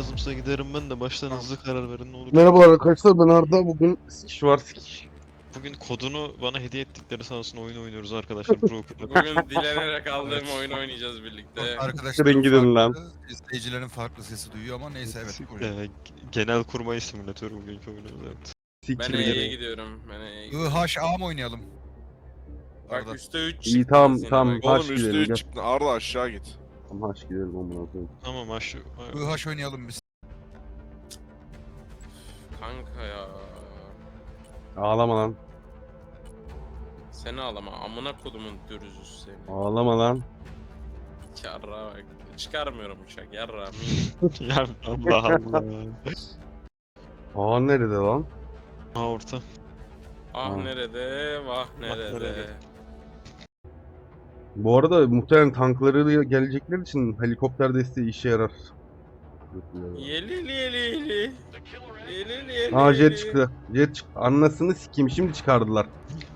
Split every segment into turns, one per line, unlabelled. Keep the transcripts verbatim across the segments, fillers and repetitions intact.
lazımsa giderim ben de baştan hızlı karar verin ne olur.
Merhabalar arkadaşlar, ben Arda. Bugün sikiş var sikiş.
Bugün kodunu bana hediye ettikleri sağ olsun oyun oynuyoruz arkadaşlar Broker'la.
Bugün dilenerek aldığım
Evet.
oyun oynayacağız birlikte.
Arkadaşların
gidin lan.
farklı, izleyicilerin farklı sesi duyuyor ama neyse evet.
Ee,
buyurun.
genel kurmay simülatörü bugünkü oyunumuz evet.
Ben
Siktir
E'ye
gidin.
gidiyorum. Ben E'ye
I
gidiyorum.
H A mı oynayalım?
Bak
Arda.
üstte üç
İyi,
çıktı.
tamam,
yine
tamam.
bak.
Haş
Oğlum
gidelim,
üstü
gel.
çıktı. Arda aşağı git.
Tamam, haş gidelim amına koyayım.
Tamam aşı.
I H oynayalım biz.
Kanka ya.
Ağlama lan.
Seni ağlama. Amına kodumun dürüzü seni.
Ağlama lan.
Yarra bak. Çıkarmıyorum uçak. Yarra.
ya Allah Allah.
Aa, nerede lan?
Ha orta.
Ah
Ha.
nerede? Vah nerede?
nerede?
Bu arada muhtemelen tankları gelecekler için helikopter desteği işe yarar.
Yelili yelili. Yelili yelili.
Aa, jet çıktı. Jet çıktı. Anasını sikeyim, şimdi çıkardılar.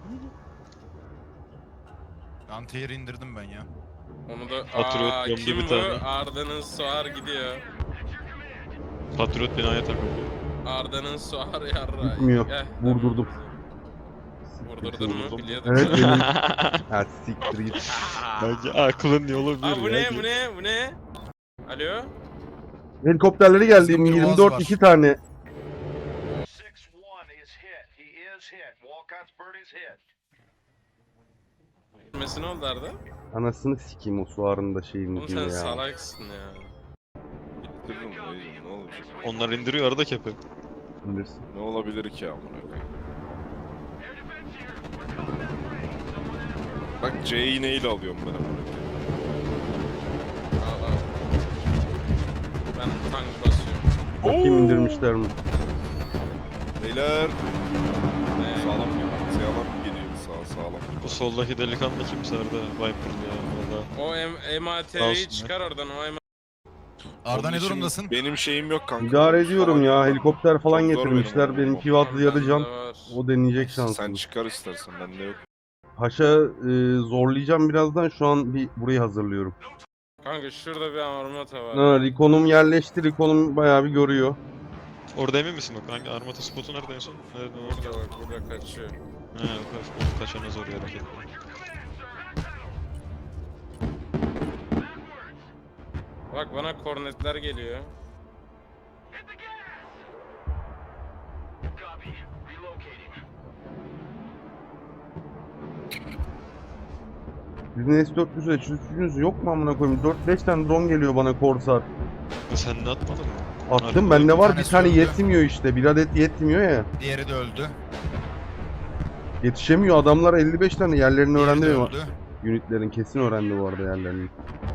Anti-air indirdim ben ya.
Onu da
Patriot
aa,
gömdü
kim
bir
bu?
tane.
Arda'nın Suar gidiyor.
Patriot binaya takıldı.
Arda'nın Suar yarra.
Gitmiyor.
Gel.
Vurdurdum.
Vurdurdun mu?
Vurdurdum.
Biliyordum.
Evet benim. Ha, siktir git.
Bence aklın yolu bir
Aa bu
ya.
ne bu ne bu ne? Alo?
Helikopterleri geldi.
Bizim bir
yirmi
Boğaz
dört
var.
iki tane.
six one is hit. He is hit. Walcott's bird is hit.
Gitmesi ne oldu Arda?
Anasını sikeyim o suarında şeyin
Oğlum
ucunu
sen
ya.
salaksın ya.
Bitirdim dayıcım ne olacak?
Onlar indiriyor arada kepi.
Bilirsin.
Ne olabilir ki amına koyayım? Bak C'yi neyle alıyorum ben amına koyayım?
Aa, aa. Ben tank basıyorum.
Bakayım indirmişler mi?
Beyler
Ee,
sağlam geliyor. Sağlam geliyor. Sağ sağlam.
Bu soldaki delikanlı kimse arada Viper'lı ya valla.
o M-
Sağ
MAT'yi
olsun
çıkar oradan o M
Arda
Onun
ne
için
durumdasın?
Benim şeyim yok kanka.
İdare ediyorum ya. Helikopter falan
Çok zor
getirmişler.
benim
Benimki vatlı yarı can.
var.
O deneyecek
Sen
şansım.
çıkar istersen bende yok.
Paşa e, zorlayacağım birazdan. Şu an bir burayı hazırlıyorum.
Kanka şurada bir armata var.
Ha, Recon'um yerleşti. Recon'um bayağı bir görüyor.
Orada emin misin bak hangi armata spotu nerede en son? Nerede orada?
Burada bak burada kaçıyor.
He kaç, kaçana zor ya hareket.
Bak bana kornetler geliyor.
Sizin S dört yüz üçünüz yok mu amına koyayım? dört beş tane drone geliyor bana Corsair.
Sen ne atmadın mı?
Attım, bende var bir
tanesi
tane
öldü.
yetmiyor işte. Bir adet yetmiyor ya.
Diğeri de öldü.
Yetişemiyor adamlar, elli beş tane yerlerini
Diğeri
öğrendi
de
mi?
öldü.
Unitlerin kesin öğrendi bu arada yerlerini.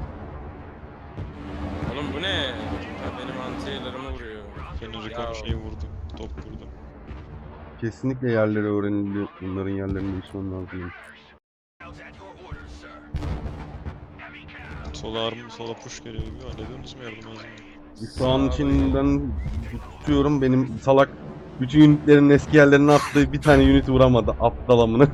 Oğlum bu ne? Ha, benim antiyelerimi vuruyor.
Senin
Ya.
Recon şeyi vurdu. Top vurdu.
Kesinlikle yerleri öğrenildi. Bunların yerlerini değişmem lazım.
Sola arm, sola push geliyor gibi. Hallediyorsunuz mu yardım lazım?
Şu an için ben tutuyorum, benim salak bütün unitlerin eski yerlerine attığı bir tane unit vuramadı. Aptal amına.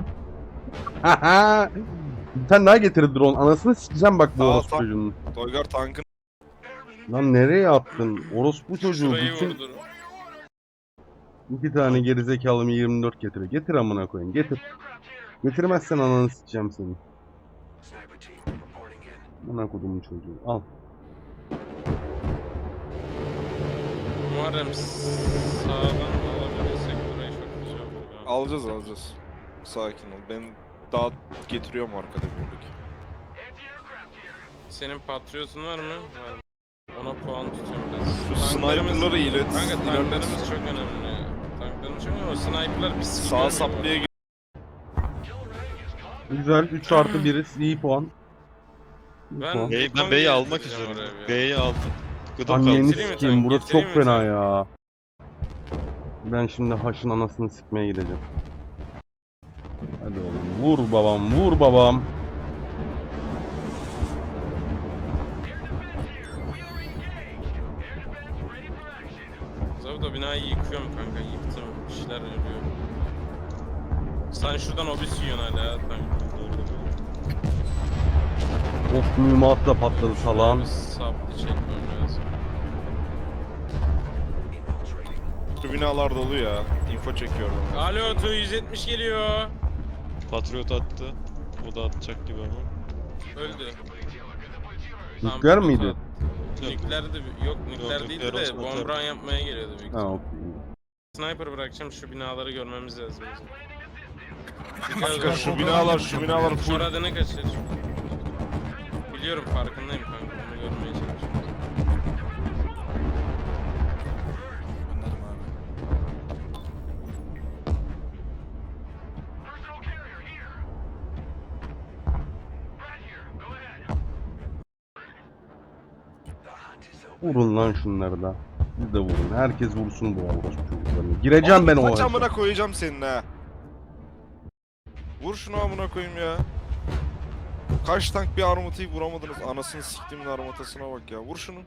Bir tane daha getir drone. Anasını sikeceğim bak bu
Aa,
orospu
tam-
çocuğunu.
Toygar tankın
Lan nereye attın? Orospu çocuğu
Şurayı
bütün
vurdu.
iki tane gerizekalı yirmi dört getiriyor. Getir amına koyayım, getir. Getirmezsen ananı sikeceğim seni. Amına kodumun çocuğu. Al.
Muharrem sağdan alabilirsek burayı çok güzel olur. ya.
alacağız alacağız. Sakin ol. Ben daha getiriyorum arkada buradaki.
Senin patriotun var mı? Var. Ona puan tutuyorum biraz.
Şu
Tanklarımız-
sniper'ları ilet.
Kanka
ilerlet.
tanklarımız çok önemli. Tanklarımız çok önemli. O sniper'lar pis
Sağ
gidiyor
saplaya
mu?
git.
Güzel. üç artı biri iyi puan. İyi
Ben-
puan.
Bey,
Recon
ben B'yi almak
gezdireceğim
istiyorum.
oraya bir.
B'yi aldım. Gıdım
Anneni
kaldı.
Getireyim mi
sikeyim,
tank?
burası
Getireyim
çok
mi
fena
tank?
ya. Ben şimdi haşın anasını sikmeye gideceğim. Hadi oğlum, vur babam, vur babam.
Zaten binayı yıkıyorum kanka. Yıktım. Bir şeyler ölüyor. Sen şuradan obüs yiyorsun hala ya tank.
Of, mühimmat da patladı salağın.
Bir saplı çekmem lazım.
Şu binalar dolu ya. Info çekiyorum.
Alo Tu yüz yetmiş geliyor.
Patriot attı. O da atacak gibi ama.
Öldü.
Nükleer miydi?
Yok.
Nükleerdi. Yok nükleer
Yok,
değildi
nükleer
de
olsa
bomb
atardı.
run yapmaya geliyordu büyük
Ha
ihtimal.
okey.
Sniper bırakacağım, şu binaları görmemiz lazım.
Kanka şu binalar şu binalar full.
Murad'ını kaçır. Biliyorum, farkındayım kanka. Onu görmeye çalışıyorum.
Anladım abi.
Personal carrier here. Right here. Go ahead.
Vurun lan şunları da. Siz de vurun. Herkes vursun bu orospu çocuklarını. Gireceğim ben o
Kaç
haşa.
amına koyacağım senin ha. Vur şunu amına koyayım ya. Kaç tank bir armatayı vuramadınız. Anasını siktimin armatasına bak ya. Vur şunu.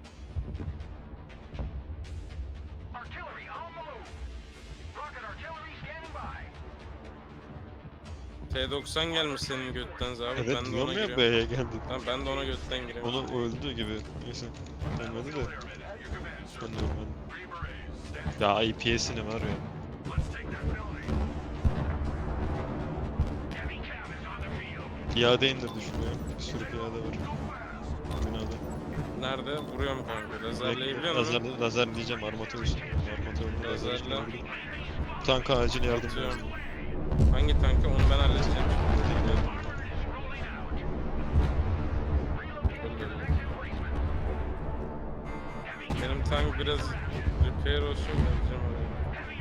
Artillery on the move. Rocket artillery standing by.
T doksan gelmiş senin götten abi.
Evet
Ben de
diyorum
ona
ya
giriyorum.
B'ye geldi.
Tamam, ben de ona götten gireyim.
Onu öldü gibi. Neyse. Gelmedi de. Ben de ölmedim. Ya I P S'ini var ya. Piyade indirdi şuraya. Bir sürü piyade var. Binada.
Nerede? Vuruyorum kanka. Lazerleyebiliyor
Lazer,
musun?
lazer diyeceğim armata üstü. Armata öldü. Lazer
Lazerle.
üstü. Tanka acil yardım
Atıyorum.
lazım.
Hangi tankı? Onu ben halledeceğim. Benim tank biraz repair olsun, vereceğim oraya.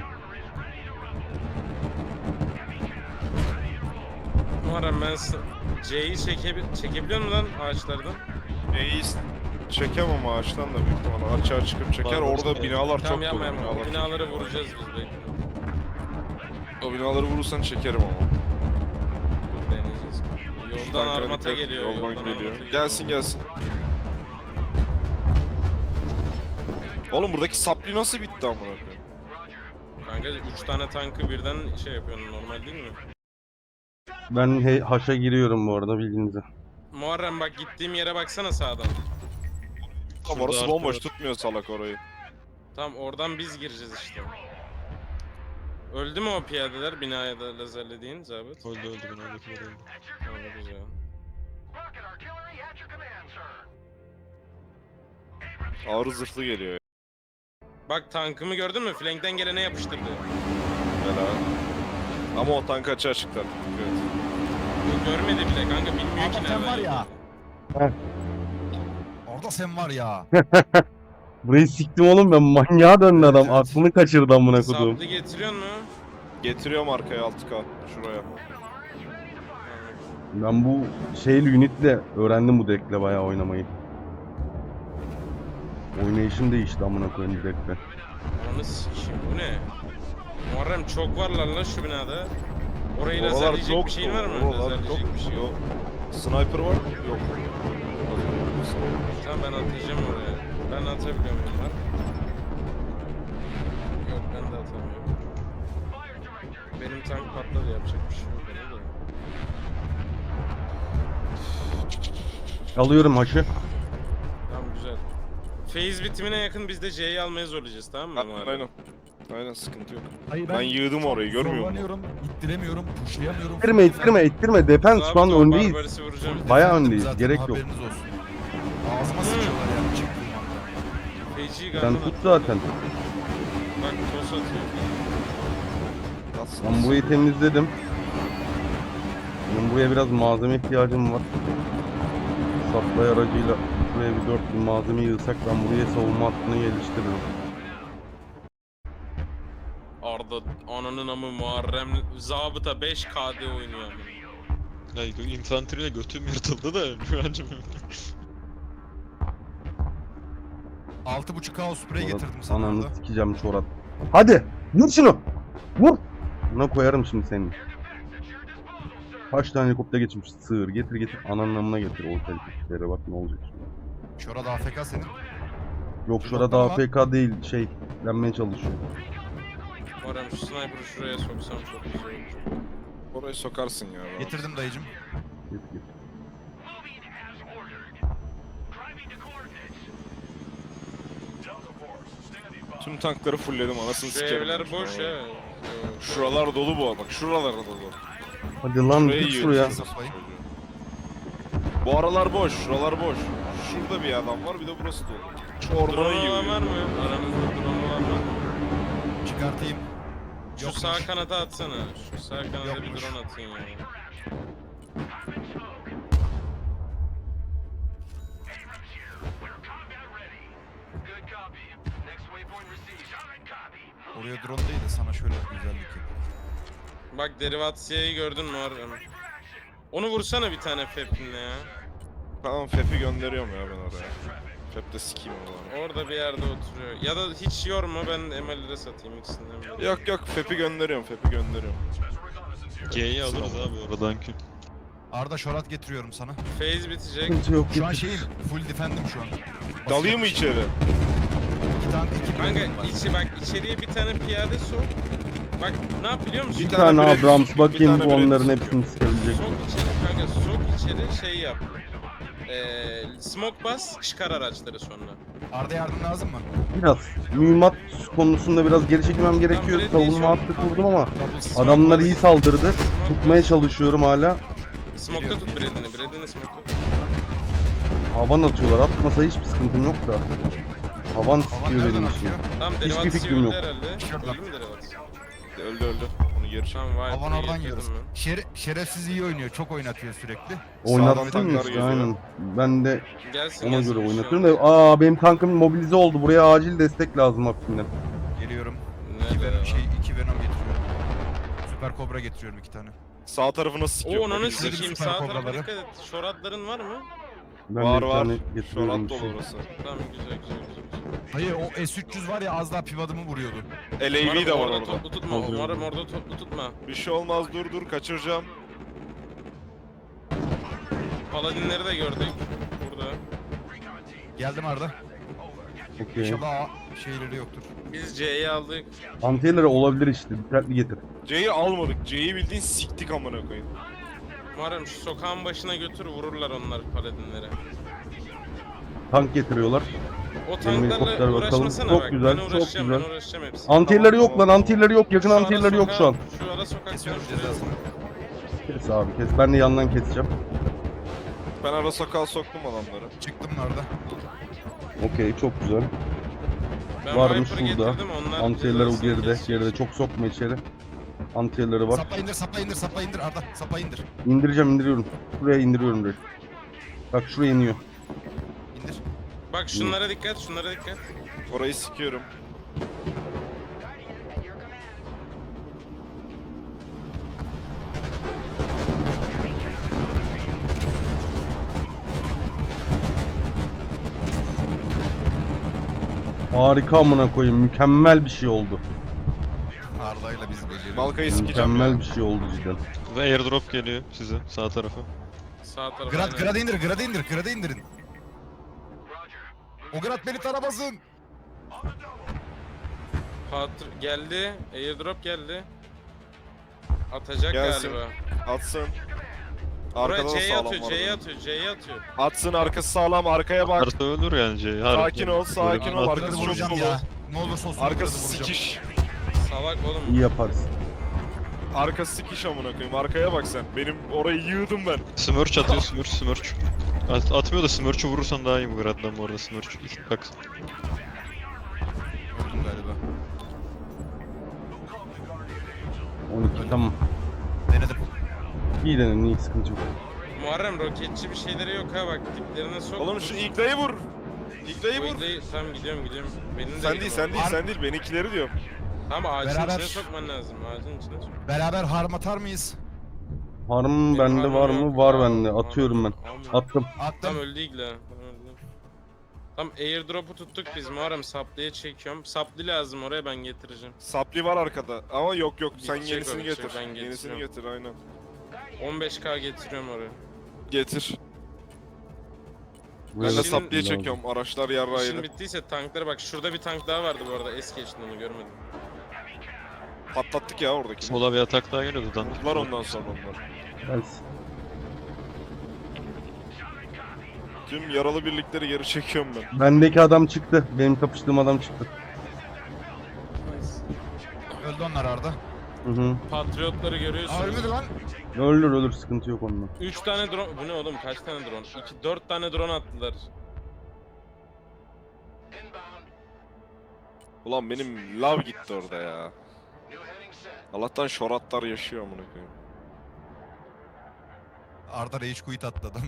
Muharrem, ben s- C'yi çekebil çekebiliyor musun lan ağaçlardan?
Neyi çekemem ağaçtan da büyük ihtimalle. Açığa çıkıp çeker.
Var, var.
Orada binalar çok
Tamam,
dolu.
yapma yapma. O
Binalar çok-
binaları vuracağız biz belki.
O binaları vurursan çekerim ama.
Dur, deneyeceğiz.
Şu
Yoldan
tanklara
armata
dikkat,
geliyor.
Yoldan,
Yoldan
geliyor.
armata
Gelsin gelsin. Oğlum buradaki sapli nasıl bitti amına koyayım?
Kanka üç tane tankı birden şey yapıyorsun, normal değil mi?
Ben he- haşa giriyorum bu arada bilginize.
Muharrem bak, gittiğim yere baksana sağdan.
Tam
Şurada
orası
arka
bomboş
var.
tutmuyor salak orayı.
Tamam, oradan biz gireceğiz işte. Öldü mü o piyadeler binaya da lazerlediğin zabıt?
Öldü öldü binadakiler öldü.
Tamam, güzel.
Rocket artillery at your command, sir.
Ağır zırhlı geliyor ya.
Bak, tankımı gördün mü? Flankten gelene yapıştırdı.
Helal. Ama o tank açığa çıktı artık. Evet.
Bu görmedi bile kanka, bilmiyor ki
Ama sen
nereden
var ya.
geldiğini.
Orada sen var ya.
Burayı siktim oğlum ben, manyağa döndü adam.
Evet.
Aklını kaçırdı amına koduğum.
Saplı getiriyor mu?
Getiriyorum arkaya altı K. Şuraya.
Ben bu şeyli unitle öğrendim bu deckle bayağı oynamayı. Oynayışım değişti amına koyayım bu deckle.
Ananı sikeyim, bu ne? Muharrem çok varlar lan şu binada. Orayı
Oralar
lazerleyecek
çok
bir şeyin var mı?
Oralar
Lazerleyecek
çok
bir şey yok.
yok. Sniper var mı? Yok.
Tamam, ben atacağım oraya. Ben atabiliyor muyum lan? Yok, ben de atamıyorum. Benim tank patladı, yapacak bir şey yok ona da.
Alıyorum haşı.
Tamam, güzel. Phase bitimine yakın biz de C'yi almaya zorlayacağız, tamam mı?
Aynen
Muharrem?
aynen. Aynen sıkıntı yok.
Hayır,
Ben yığdım orayı, görmüyor musun?
Zorlanıyorum, ittiremiyorum, pushlayamıyorum.
İttirme ittirme ittirme. Defense şu an
Zabıt, o
öndeyiz.
Barbaris'i vuracağım.
Bayağı
Defendim
öndeyiz,
zaten,
gerek yok.
Haberiniz olsun. Ağzıma sıçıyorlar yani çıktığım anda.
Feci'yi
Sen
galiba.
tut zaten.
Bak, toz atıyor.
Nasıl?
Ben burayı temizledim. Benim buraya biraz malzeme ihtiyacım var. Supply aracıyla buraya bir dört bin malzeme yığsak ben buraya savunma hattını geliştiririm.
Arda ananın amı Muharrem zabıta beş K D oynuyor ama.
Ya infanteriyle götüm yırtıldı da güvencim.
altı buçuk K spray
Çorat,
getirdim sana
ananı
orada.
sikeceğim çorat. Hadi vur şunu. Vur. Buna koyarım şimdi seni. Kaç tane helikopter geçmiş sığır getir getir ananın amına getir o helikoptere bak ne olacak şimdi.
Şurada A F K senin.
Yok
Pilotlar
şurada
var.
A F K değil şey denmeye çalışıyor.
Muharrem, şu sniper'ı şuraya soksam çok güzel olur.
Orayı sokarsın ya.
Getirdim dayıcım.
Getir getir.
Moving as ordered. Driving to coordinates. Delta Force, standing by.
Tüm tankları fullledim anasını
Şu
sikerim.
evler
ben
boş
şu an.
ya.
Şuralar dolu bu bak şuralar dolu.
Hadi lan
Şurayı
git
yiyor,
şuraya.
kimse çocuğu. Bu aralar boş, şuralar boş. Şurada bir adam var bir de burası dolu. Şu ormanı
Drone
yiyor.
olan var mı? Aramızda drone olan var mı?
Çıkartayım.
Şu
Yokmuş.
sağ kanata atsana. Şu sağ kanata bir
Yokmuş.
drone atın ya.
Good copy. Next waypoint received. Solid copy.
Oraya drone değil de sana şöyle bir güzellik yapayım.
Bak Derivatsiye'yi gördün mü Muharrem? Onu vursana bir tane Fep'inle ya.
Tamam Fep'i gönderiyorum ya ben oraya. Fep de sikeyim onu.
Orada bir yerde oturuyor. Ya da hiç yorma ben M L'lere satayım ikisinden biri.
Yok yok Fep'i gönderiyorum, Fep'i gönderiyorum.
G'yi alırız abi oradan ki.
Arda şorat getiriyorum sana.
Phase bitecek.
Sıkıntı yok.
Şu an
getir.
şeyim, full defendim şu an.
Dalayım mı içeri?
İki tane, iki
Kanka
planetim var.
içi bak içeriye bir tane piyade sok. Bak ne yap biliyor musun?
Bir
Bir
tane
tane
Abrams
Brad-
bakayım
bir tane
bu onların
Brad-
hepsini sıkabilecek.
Sok içeri kanka sok içeri şey yap. Ee, smoke bas çıkar araçları sonra.
Arda yardım lazım mı?
Biraz mühimmat konusunda biraz geri çekilmem gerekiyor.
Brad
Savunma
Pitt
hattı kurdum ama
Double smoke.
adamlar iyi saldırdı. Tutmaya çalışıyorum hala.
Smoke'ta tut Brad'ini. Brad'ini smoke'ta tut.
Havan atıyorlar. Atmasa hiçbir sıkıntım yok da. Havan
Havan
sıkıyor
nereden
benim
atıyor?
için.
Tamam
Hiçbir
Derivatsiye
fikrim
öldü
yok.
herhalde.
Şuradan.
Öldü mü Derivatsiye?
Öldü öldü. Onu geri çek.
Tamam Viper'ı
Havan oradan
getirdim
yiyoruz.
ben.
Şere şerefsiz iyi oynuyor, çok oynatıyor sürekli.
Oynattın
tanklar
mı işte
geliyor.
aynen. Ben de
Gelsin
ona
gelsin,
göre
bir şey
oynatıyorum
olmaz.
da aa benim tankım mobilize oldu. Buraya acil destek lazım hakkında.
Geliyorum.
Nerede
İki
ya?
venom, şey, iki venom getiriyorum. Süper kobra getiriyorum iki tane.
Sağ tarafı nasıl
Oo
sikiyor?
onu
Mobil-
sikeyim
süper
sağ tarafa
kobraları.
dikkat et. Şoratların var mı?
Ben
Var
de bir
var.
tane
Şu
getiriyorum
an
bir
dolu
şey.
orası.
Tamam güzel güzel güzel. güzel.
Hayır o S üç yüz var ya az daha pivadımı vuruyordu.
L A V
Umarım
de var
orada
orada.
toplu tutma.
Alıyorum.
Umarım orada toplu tutma.
Bir şey olmaz dur dur kaçıracağım.
Paladinleri de gördük. Burada.
Geldim Arda.
Okey.
İnşallah şeyleri yoktur.
Biz C'yi aldık.
Antiyeleri olabilir işte. Dikkatli getir.
C'yi almadık. C'yi bildiğin siktik amına koyayım.
Umarım şu sokağın başına götür vururlar onlar paladinlere.
Tank getiriyorlar.
O
helikopter
tanklarla
bakalım.
uğraşmasana
Çok
bak.
güzel,
Ben
çok
uğraşacağım
güzel.
ben uğraşacağım hepsini.
Antiyeleri
Tamam,
yok lan.
tamam.
Antiyeleri yok. Yakın
Şu ara
antiyeleri yok şu an.
sokağa- Şu ara sokak
Kesiyorum
şuraya.
cezasını.
Kes abi kes. Ben de yandan keseceğim.
Ben ara sokağa soktum adamları.
Çıktım Arda.
Okey çok güzel.
Ben
Varmış
Viper'ı
burada.
getirdim, onlar
Antiyeleri o
cezasını
geride.
kesecek.
Geride çok sokma içeri. Antiyeleri var.
Sapa indir, sapa indir, sapa indir Arda. Sapa indir.
İndireceğim indiriyorum. Şuraya indiriyorum direkt. Bak şuraya iniyor.
İndir.
Bak şunlara dikkat, şunlara dikkat.
Orayı sikiyorum.
Harika amına koyayım. Mükemmel bir şey oldu.
Arda'yla biz beceriyoruz.
Malkayı sikeceğim
Mükemmel
ya.
bir şey oldu cidden.
Ve airdrop geliyor size sağ tarafa.
Sağ tarafa.
Grad,
aynen.
grad indir, grad indir, grad indirin. O grad beni taramasın.
Patr geldi, airdrop geldi. Atacak
Gelsin.
galiba.
Atsın.
Buraya
Arkada da
C'ye
sağlam
atıyor,
var.
C'ye
adamın.
atıyor, C'ye atıyor.
Atsın arkası sağlam arkaya bak.
Arda ölür yani C'yi.
Sakin ol, sakin ol,
At-
arkası
Grad'ı
çok
vuracağım
dolu.
ya. Ne olursa olsun
Arkası
grad'ı vuracağım.
sikiş.
Salak oğlum.
İyi yaparız.
Arkası sikiş amına koyayım. Arkaya bak sen. Benim orayı yığdım ben.
Smirch atıyor Smirch Smirch. At, atmıyor da Smirch'ü vurursan daha iyi bu Grad'dan bu arada Smirch. Bak
Öldüm galiba.
on iki tamam.
Denedim.
İyi denedim iyi sıkıntı yok.
Muharrem roketçi bir şeyleri yok ha bak diplerine sok.
Oğlum şu iğneyi vur. İğneyi
Bu
vur.
ikleyi- Tamam gidiyorum gidiyorum. Benim de
Sen
yerim
değil,
var.
sen değil,
Ar-
sen değil. Benimkileri diyorum.
Tamam ağacın
Beraber-
içine sokman lazım. Ağacın içine sok.
Beraber harm atar mıyız?
Harm
Benim
bende
harmım
var
yok.
mı? Var
Al,
bende.
al,
Atıyorum ben.
al.
Attım.
Attım.
Tam öldü igle. Tam öldü. Tam airdrop'u tuttuk biz Muharrem saplaya çekiyorum. Saplı lazım oraya ben getireceğim.
Sapli var arkada. Ama yok yok. Sen
Bitecek
yenisini
o, bitecek.
getir.
Ben
Yenisini
getiriyorum.
getir aynen.
on beş K getiriyorum oraya.
Getir.
Buraya
Ben de
da
Şimdi-
sapliye
lazım.
çekiyorum. Araçlar yarrağı
İşin
yedi.
bittiyse tankları bak şurada bir tank daha vardı bu arada es geçtin onu görmedim.
Patlattık ya oradaki.
sola bir atak daha geliyordu dan.
Vurdular ondan sonra onlar.
Gelsin.
Tüm yaralı birlikleri geri çekiyorum ben.
Bendeki adam çıktı. Benim kapıştığım adam çıktı.
onlar Arda.
Hı hı.
Patriotları
Aa
görüyorsunuz.
ölmedi lan.
Ölür ölür, sıkıntı yok onunla.
üç tane drone. Bu ne oğlum? Kaç tane drone? iki dört tane drone attılar.
Ulan benim lav gitti orada ya. Allah'tan şoratlar yaşıyor amına koyayım.
Arda rage quit attı adam.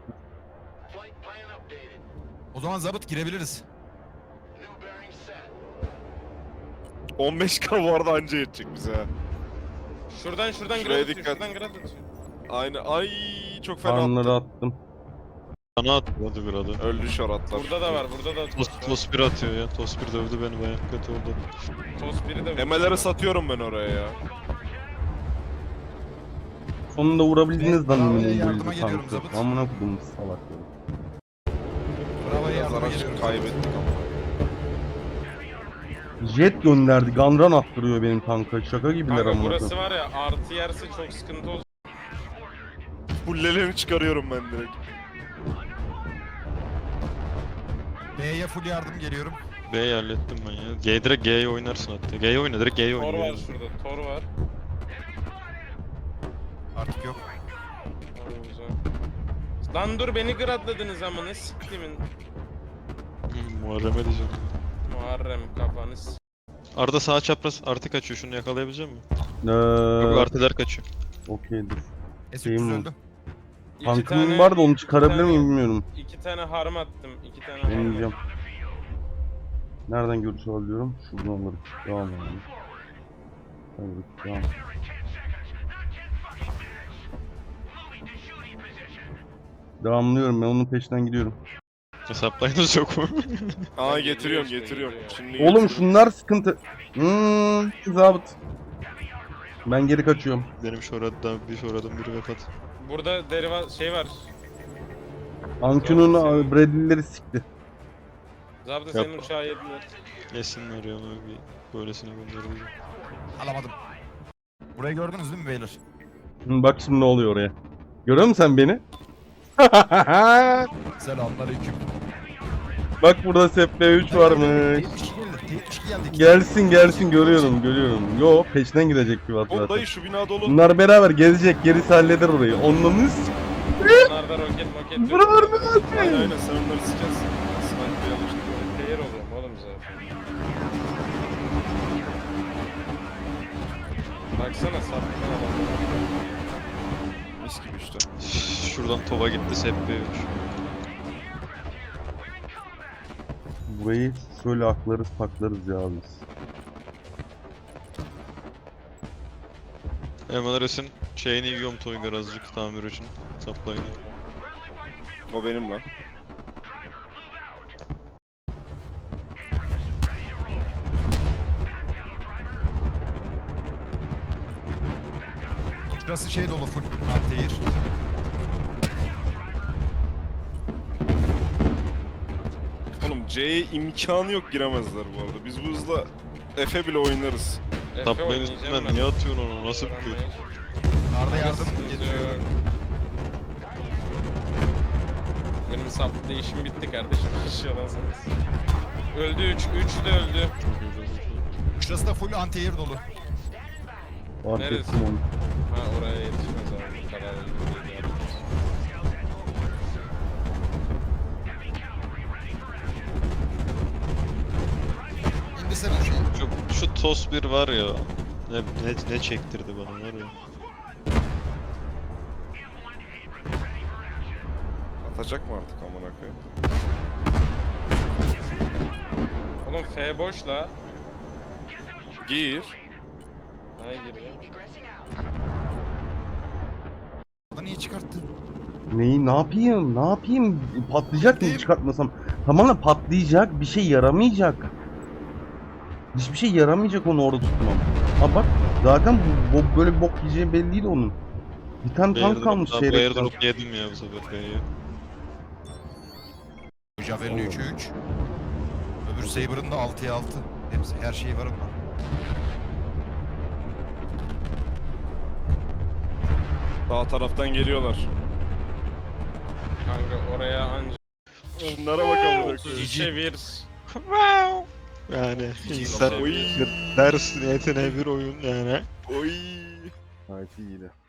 O zaman zabıt girebiliriz.
on beş K bu arada anca yetecek bize ha.
Şuradan şuradan
Şuraya
grad atıyor.
dikkat.
Şuradan grad atıyor.
Aynı ay çok fena
Farmları
attı.
attım.
Bana atmadı bir adı.
Öldü şoratlar.
Burada da var. Burada da
Tos, tos bir atıyor ya. Tos bir dövdü beni bayağı kötü oldu.
Tos biri de
Emeleri satıyorum ben oraya ya.
Sonunda vurabildiniz lan
Bravo'ya
benim
yardıma
build'i
geliyorum
tankı.
zabıt.
Amına kodum salakları.
Bravo'ya
Biraz
yardıma
araç
geliyorum.
kaybettik ama.
Jet gönderdi. Gunrun attırıyor benim tanka. Şaka gibiler
Kanka
amına
burası
koyayım.
var ya artı yerse çok sıkıntı olacak.
Fullelerini çıkarıyorum ben direkt.
B'ye full yardım geliyorum.
B'yi hallettim ben ya. G direkt G'ye oynarsın hatta. G'ye oyna direkt G'ye
Tor
oyna.
var şurada. Tor var.
Artık yok.
Tor güzel. Lan dur beni gradladınız ama ne siktimin.
Hı, Muharrem'e diyeceğim.
Muharrem kafanız.
Arda sağ çapraz artı kaçıyor. Şunu yakalayabilecek misin?
Ee,
Yok artılar kaçıyor.
Okeydir.
S üç yüz
Şeyim
öldü.
İki
Tankım
tane-
var da onu çıkarabilir
tane-
miyim bilmiyorum.
İki tane harm attım. İki tane harm.
Deneyeceğim. Nereden görüş alabiliyorum? Şuradan alırım. Devam edelim. Evet, devam. Devamlıyorum, ben onun peşinden gidiyorum.
Hesaplayınız yok mu?
Aa
Geliyor
getiriyorum
işte,
getiriyorum.
geliyor.
Şimdi
Oğlum
getiriyorum.
şunlar sıkıntı. Hmm, zabıt. Ben geri kaçıyorum.
Benim şoradan bir şoradan biri vefat.
Burada deriva şey var.
Ankun'un
Senin-
Bradley'leri sikti.
Zabda senin uçağı yediler.
Yesinler ya ona bir böylesine göndereceğim.
Alamadım. Burayı gördünüz değil mi beyler?
Hı, bak şimdi ne oluyor oraya. Görüyor musun sen beni?
Selamünaleyküm.
Bak burada S P üç varmış.
T yetmiş iki geldi. T yetmiş iki geldi.
Gelsin gelsin görüyorum görüyorum. Yo peşinden gidecek bir vat
Oğlum
zaten.
dayı şu bina dolu.
Bunlar beraber gezecek, gerisi halleder orayı. Onunuz
Bunlarda roket moket yok.
buralarda
Aynen aynen sen onları sikersin. Sniper yanlış.
Player oluyorum oğlum zaten. Baksana sapkın adam.
Mis gibi işte.
Şuradan Tova gitti S P üç.
burayı şöyle aklarız paklarız ya biz.
Emaleres'in şeyini yiyorum Toygar azıcık tamir için. Saplayın.
O benim lan.
Şurası şey dolu full. Antehir.
Oğlum C'ye imkanı yok giremezler bu arada. Biz bu hızla F'e bile oynarız.
Efe
Saplayın
oynayacağım
üstünden
ben.
niye atıyorsun onu? Nasıl bir köy?
Arda yardım
Sıkıntı
getiriyorum.
yok. Benim sap değişim bitti kardeşim. Şaşırıyorsanız. Öldü üç. üç de öldü.
Şurası da full antehir dolu.
Fark
Neresi?
ettim onu.
Ha oraya yetişmez abi. Bu kadar öldü değil yani.
İndirsene şu.
Şu, şu Tos bir var ya. Ne, ne, ne çektirdi bana var ya.
Atacak mı artık amına koyayım?
Oğlum F boş la.
Gir.
Hayır giriyor.
Arda niye çıkarttın?
Neyi ne yapayım? Ne yapayım? Patlayacak mı çıkartmasam? Tamamen patlayacak. Bir şey yaramayacak. Hiçbir şey yaramayacak onu orada tutmam. Ha bak zaten bu, bu böyle bir bok yiyeceği belli değil onun. Bir tane tank kalmış
Bu
seyrekten.
airdrop yedim ya bu sefer B'ye.
Javelin üçe üç. Öbür Saber'ın da altıya altı. Hepsi her şeyi var onda.
Sağ taraftan geliyorlar.
Kanka oraya anca
Şunlara bak amına koyayım.
otuz üçe bir.
Yani
İyi
insan
Oy.
ders niyetine bir oyun yani.
Oy.
Gayet iyiydi.